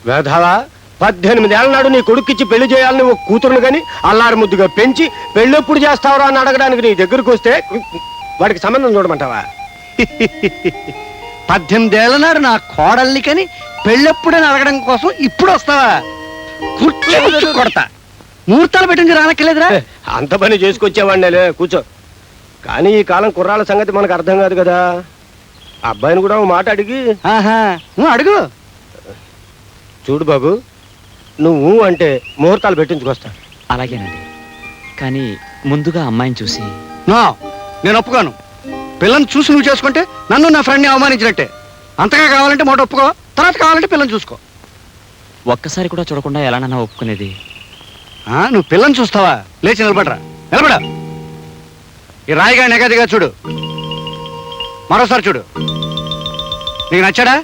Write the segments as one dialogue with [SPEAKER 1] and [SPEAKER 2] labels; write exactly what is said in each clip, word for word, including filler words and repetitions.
[SPEAKER 1] వేధవా, పద్దెనిమిదేళ్ల నాడు నీ కొడుక్కిచ్చి పెళ్లి చేయాలని ఒక కూతురును గాని అల్లారు ముద్దుగా పెంచి పెళ్ళెప్పుడు చేస్తావరా అని అడగడానికి నీ దగ్గరకు వస్తే వాడికి సంబంధం చూడమంటావా?
[SPEAKER 2] పద్దెనిమిదేళ్ల నాడు నా కోడల్ని కని పెళ్ళెప్పుడని అడగడం కోసం ఇప్పుడు వస్తావా? కుర్చీ కొడతా. ముహూర్తాలు పెట్టింది రానక్కర్లేదురా.
[SPEAKER 1] అంత పని చేసుకొచ్చేవాడినేలే, కూర్చో. కానీ ఈ కాలం కుర్రాళ్ళ సంగతి మనకు అర్థం కాదు కదా. అబ్బాయిని కూడా ఓ మాట అడిగి.
[SPEAKER 2] ఆహా, నువ్వు అడుగు.
[SPEAKER 1] చూడు బాబు, నువ్వు అంటే ముహూర్తాలు పెట్టించుకొస్తా.
[SPEAKER 3] అలాగేనండి, కానీ ముందుగా అమ్మాయిని చూసి.
[SPEAKER 2] నో, నేను ఒప్పుకోను. పిల్లని చూసి నువ్వు చేసుకుంటే నన్ను నా ఫ్రెండ్ని అవమానించినట్టే. అంతగా కావాలంటే మాట ఒప్పుకో, తర్వాత కావాలంటే పిల్లని చూసుకో.
[SPEAKER 3] ఒక్కసారి కూడా చూడకుండా ఎలానన్నా ఒప్పుకునేది?
[SPEAKER 2] ఆ, నువ్వు పిల్లని చూస్తావా? లేచి నిలబడరా, నిలబడ. ఈ రాయిగా నెగదిగా చూడు, మరోసారి చూడు. నీకు నచ్చాడా?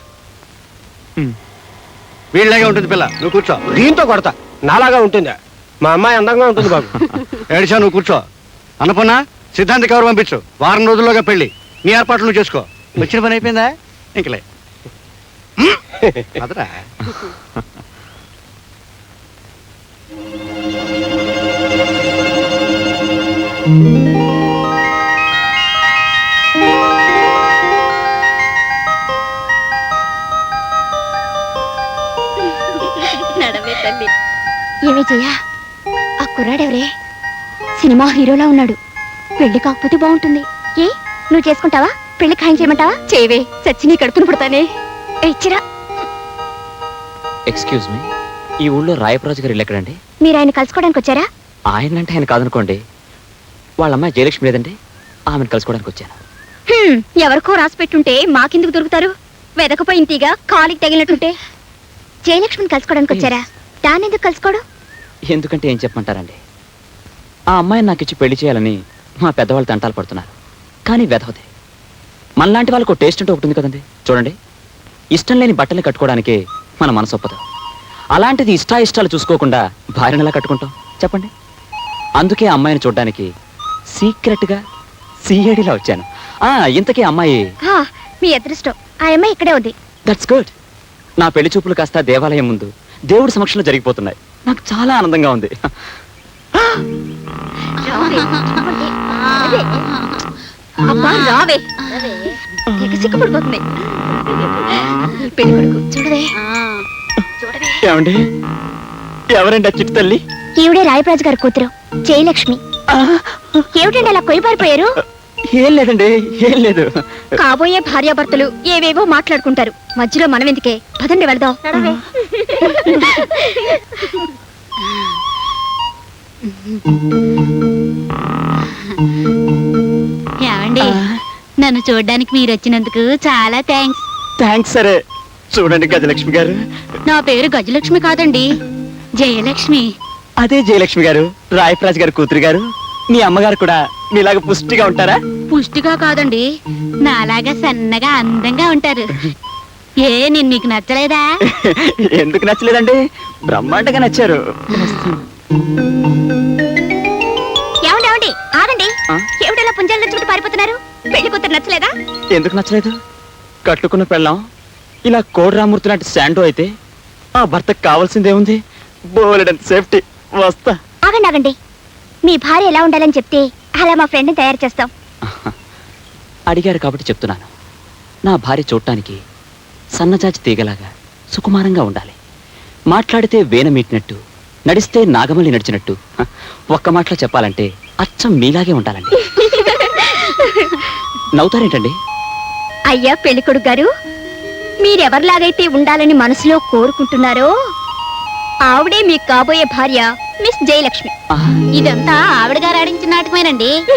[SPEAKER 2] వీళ్ళలాగే ఉంటుంది పిల్ల, నువ్వు కూర్చో.
[SPEAKER 1] దీంతో కొడతా. నాలాగా ఉంటుందా? మా అమ్మాయి అందంగా ఉంటుంది బాబు.
[SPEAKER 2] ఏడిచా, నువ్వు కూర్చో. అన్నపూర్ణ, సిద్ధాంతి కవర్ పంపించు. వారం రోజుల్లోగా పెళ్లి. నీ ఏర్పాట్లు నువ్వు చేసుకో. వచ్చిన పని అయిపోయిందా? ఇంకలే అదరా.
[SPEAKER 4] ఏమే చెయ్యా, ఆ కుర్రాడెవరే? సినిమా హీరోలా ఉన్నాడు. పెళ్లి కాకపోతే బాగుంటుంది. ఏ, నువ్వు చేసుకుంటావా? పెళ్లి ఖాయం చేయమంటావా? చేయవే, చచ్చి నీ కడుపును పుడతానే. ఇచ్చిరా.
[SPEAKER 3] ఎక్స్క్యూజ్ మీ, ఈ ఊళ్ళో రాయప్రాజు గారు ఇల్లు ఎక్కడండి?
[SPEAKER 4] మీరు ఆయన కలుసుకోవడానికి వచ్చారా?
[SPEAKER 3] ఆయన అంటే ఆయన కాదనుకోండి, వాళ్ళ అమ్మాయి జయలక్ష్మి లేదండి, ఆమెను కలుసుకోవడానికి వచ్చాను.
[SPEAKER 4] హ్మ్, ఎవరికో రాసి పెట్టుంటే మాకెందుకు దొరుకుతారు? వెదకపోయి ఇంటిగా కాలికి తగిలినట్టుంటే. జయలక్ష్మిని కలుసుకోవడానికి వచ్చారా? దాన్ని ఎందుకు కలుసుకోవడం?
[SPEAKER 3] ఎందుకంటే ఏం చెప్పమంటారండి, ఆ అమ్మాయిని నాకు ఇచ్చి పెళ్లి చేయాలని మా పెద్దవాళ్ళు తంటాలు పడుతున్నారు. కానీ వెధవదే. మనలాంటి వాళ్ళకు టేస్ట్ అంటే ఒకటి ఉంది కదండి. చూడండి, ఇష్టం లేని బట్టలు కట్టుకోవడానికి మన మనసు ఒప్పదు. అలాంటిది ఇష్టా ఇష్టాలు చూసుకోకుండా భార్యను ఎలా కట్టుకుంటాం చెప్పండి? అందుకే ఆ అమ్మాయిని చూడడానికి సీక్రెట్గా సీఐడిలా వచ్చాను. ఆ ఇంతకీ అమ్మాయి
[SPEAKER 4] ఆ, మీ అదృష్టం. ఆ అమ్మాయి ఇక్కడే ఉంది.
[SPEAKER 3] That's good. నా పెళ్లి చూపులు కాస్త దేవాలయం ముందు దేవుడి సమక్షంలో జరిగిపోతున్నాయి. నాకు చాలా ఆనందంగా ఉంది.
[SPEAKER 4] అబ్బా రావే, సిగ్గుపడిపోతుంది. పెళ్లి కొడుకు చూడవే.
[SPEAKER 3] ఏమండి, ఎవరండి ఆ చిట్టు తల్లి?
[SPEAKER 4] ఈవిడే రాయప్రాజు గారి కూతురు జయలక్ష్మి. ఏమిటండి అలా కొయ్యబారిపోయారు?
[SPEAKER 3] ఏం లేదండి, ఏం లేదు.
[SPEAKER 4] కాబోయే భార్యాభర్తలు ఏవేవో మాట్లాడుకుంటారు, మధ్యలో మనం ఎందుకే? పదండి వెళదాం.
[SPEAKER 5] ఏమండి, నన్ను చూడడానికి మీరు వచ్చినందుకు చాలా థ్యాంక్స్.
[SPEAKER 3] థ్యాంక్స్. సరే చూడండి గజలక్ష్మి గారు,
[SPEAKER 5] నా పేరు గజలక్ష్మి కాదండి, జయలక్ష్మి.
[SPEAKER 3] అదే జయలక్ష్మి గారు, రాయప్రాజ్ గారు కూతురు గారు. మీ అమ్మగారు కూడా మీలాగా పుష్టిగా ఉంటారా?
[SPEAKER 5] పుష్టిగా కాదండి, నాలాగా సన్నగా అందంగా ఉంటారు. ఏ, నేను మీకు నచ్చలేదా?
[SPEAKER 3] ఎందుకు నచ్చలేదండి, బ్రహ్మాండంగా నచ్చారు.
[SPEAKER 4] ఏమండి ఏమండి ఆగండి. ఏమిటలా పుంజాల చుట్టూ పారిపోతున్నారు? పెళ్లి కూతురు నచ్చలేదా?
[SPEAKER 3] ఎందుకు నచ్చలేదు? కట్టుకున్న పెళ్ళాం ఇలా కోడిరామూర్తి లాంటి శాండో అయితే ఆ భర్తకు కావాల్సిందేముంది? బోలెడంత సేఫ్టీ. వస్తా.
[SPEAKER 4] ఆగండి ఆగండి, మీ భార్య ఎలా ఉండాలని చెప్తే అలా మా ఫ్రెండ్ని తయారు చేస్తాం.
[SPEAKER 3] అడిగారు కాబట్టి చెప్తున్నాను. నా భార్య చూడటానికి సన్నజాజి తీగలాగా సుకుమారంగా ఉండాలి. మాట్లాడితే వేన మీటినట్టు, నడిస్తే నాగమల్లి నడిచినట్టు. ఒక్క మాటలో చెప్పాలంటే అచ్చం మీలాగే ఉండాలండి. నవ్వుతారేంటండి?
[SPEAKER 4] అయ్యా పెళ్లి కొడుకు గారు, మీరెవరిలాగైతే ఉండాలని మనసులో కోరుకుంటున్నారో ఆవిడే మీకు కాబోయే భార్య మిస్ జయలక్ష్మి.
[SPEAKER 5] ఇదంతా ఆవిడ గారు ఆడించిన నాటకమేనండి.